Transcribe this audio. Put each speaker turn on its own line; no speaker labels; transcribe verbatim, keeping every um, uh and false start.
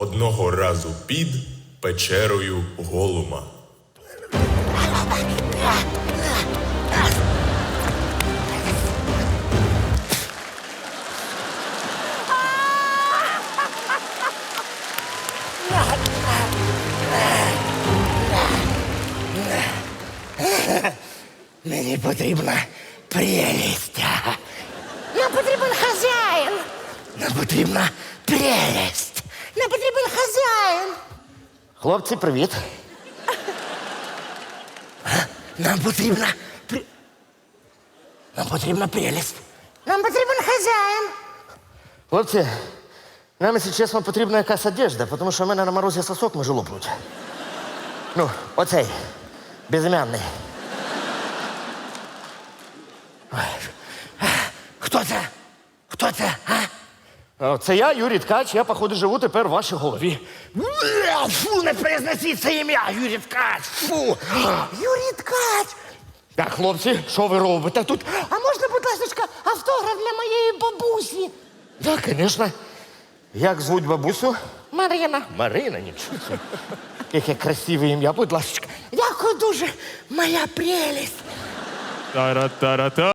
Одного разу під печерою Голума.
Мені потрібна прелість. Нам потрібен хазяїн. Нам потрібна прелість. Нам потрібен хазяїн. Хлопці, привіт. Нам потрібна пр... Нам потрібна прелість. Нам потрібен хазяїн. Хлопці, нам, якщо чесно, потрібна якась одежда, тому що в мене на морозі сосок може лопнути. Ну, оцей, безім'янний. Хто це? Хто це, а? Це я, Юрій Ткач, я, походу, живу тепер в вашій голові. Фу, не произносіть це ім'я, Юрій Ткач, фу. Юрій Ткач. Так, хлопці, що ви робите тут? А можна, будь ласка, автограф для моєї бабусі? Так, звісно. Як звуть бабусю? Марина. Марина, нічого. Яке красиве ім'я, будь ласка. Дякую дуже, моя прелість.
Та-ра-та-ра-та.